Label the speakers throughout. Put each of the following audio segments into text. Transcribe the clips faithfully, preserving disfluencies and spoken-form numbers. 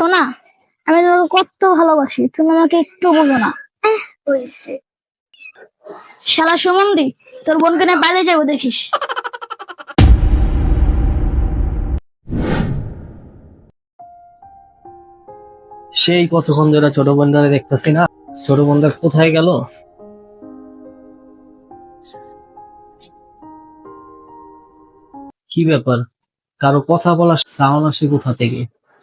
Speaker 1: সোনা, আমি তোমাকে কত ভালোবাসি, তুমি আমাকে একটু বোঝো না।
Speaker 2: হয়েছে।
Speaker 1: শালা সুমন্দি, তোর বোনকে নিয়ে বাইরে যাবো দেখিস।
Speaker 3: সেই কতক্ষণ ধরে ছোট বোনদারে দেখতেছি না, ছোট বোনদার কোথায় গেল? কি ব্যাপার, কারো কথা বলার সাউন্ড আসে কোথা থেকে?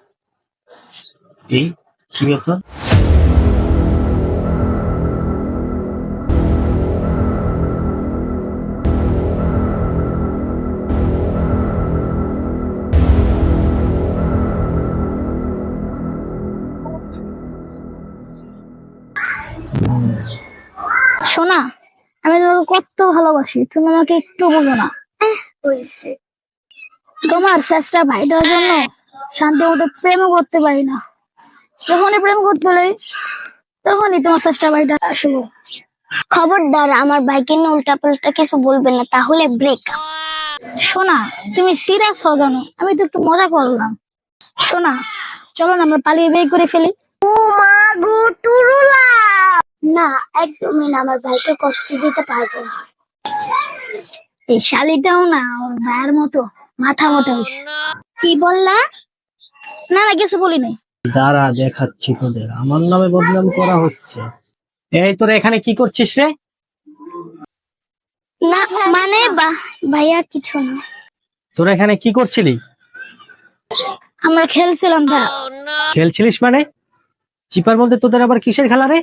Speaker 3: এই কি ব্যাপার?
Speaker 1: সোনা, আমি তোমাকে কত ভালোবাসি, তুমি আমাকে একটু বোঝো না।
Speaker 2: হয়েছে।
Speaker 1: তোমার চেষ্টা ভাইটার জন্য শান্তি মতো প্রেমও করতে পারি না। যখনই প্রেম করতে পারি তখনই তোমার চেষ্টা ভাইটা আসবো।
Speaker 2: খবরদার আমার ভাইকে নিয়ে উল্টা পাল্টা কিছু বলবেন না, তাহলে ব্রেক।
Speaker 1: সোনা, তুমি সিরিয়াস হও কেন? আমি তো একটু মজা করলাম। সোনা, চলো না আমরা পালিয়ে বিয়ে করে ফেলি।
Speaker 2: ও মা গো টুরুলা! না, একদমই না, আমার ভাইকে কষ্ট দিতে পারবো না।
Speaker 1: এই শালিটাও না ওর ভাইয়ের মতো মাথা মতো হয়েছে।
Speaker 2: কি বললা?
Speaker 1: না না, কিছু বলি নাই।
Speaker 3: দাঁড়া, দেখাচ্ছি তোদের, আমার নামে বদনাম করা হচ্ছে। এই তোরা এখানে কি করছিস রে?
Speaker 1: না মানে বা- ভাইয়া কিছু না,
Speaker 3: তোরা এখানে কি করছিলি?
Speaker 1: আমরা খেলছিলাম ভাইয়া।
Speaker 3: খেলছিলিস মানে? চিপার মধ্যে তোদের আবার কিসের খেলা রে?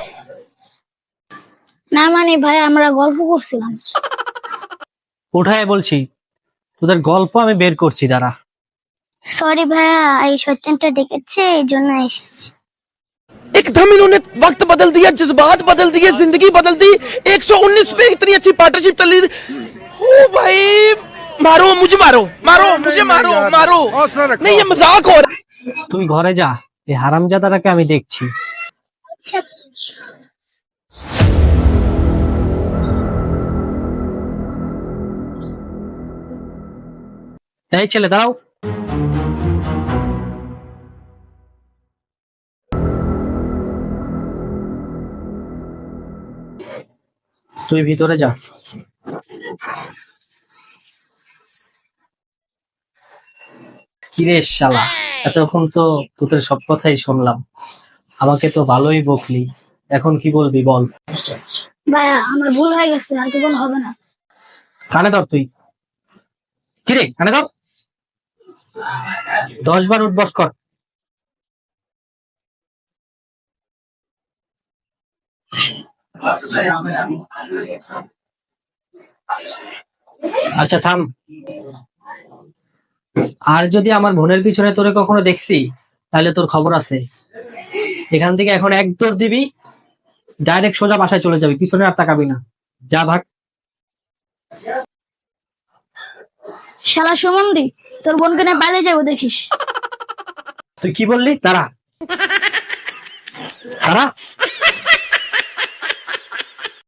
Speaker 1: না মানে ভাইয়া, আমরা গল্প করছিলাম।
Speaker 3: কোথায় বলছি, তোদের গল্প আমি বের করছি, দাঁড়া।
Speaker 2: সরি ভাইয়া, এই সত্যিটা দেখেছে এই জন্য এসেছি।
Speaker 4: एकदम इन्होंने वक्त बदल दिया, जज्बात बदल दिए, जिंदगी बदल दी। एक सौ उन्नीस पे इतनी अच्छी पार्टनरशिप चल रही थी। ओ भाई, मारो मुझे, मारो मारो मुझे, मारो मारो। नहीं, ये मजाक हो रहा है।
Speaker 3: তুই ঘরে যা, এই হারামজাদাটাকে আমি দেখছি।
Speaker 2: আচ্ছা
Speaker 3: এই ছেলে দাঁড়াও। তুই ভিতরে যা। কিরে শালা, এতক্ষণ তো তোদের সব কথাই শুনলাম, আমাকে তো ভালোই বকলি, এখন কি বলবি বল?
Speaker 1: ভাইয়া আমার ভুল হয়ে গেছে, আর কি ভুল হবে না।
Speaker 3: কানে ধর তুই। কিরে কানে ধর, দশ বার উঠবস কর। আচ্ছা থাম। আর যদি আমার বোনের পিছনে তোরে কখনো দেখছি, তাহলে তোর খবর আছে। এখান থেকে এখন এক দৌড় দিবি, ডাইরেক্ট সোজা বাসায় চলে যাবি, পিছনে আর তাকাবি না। যা ভাগ।
Speaker 1: শালা সুমন্দি, তোর বোনকে নিয়ে বাইরে যাবো দেখিস।
Speaker 3: তুই কি বললি? দাঁড়া দাঁড়া।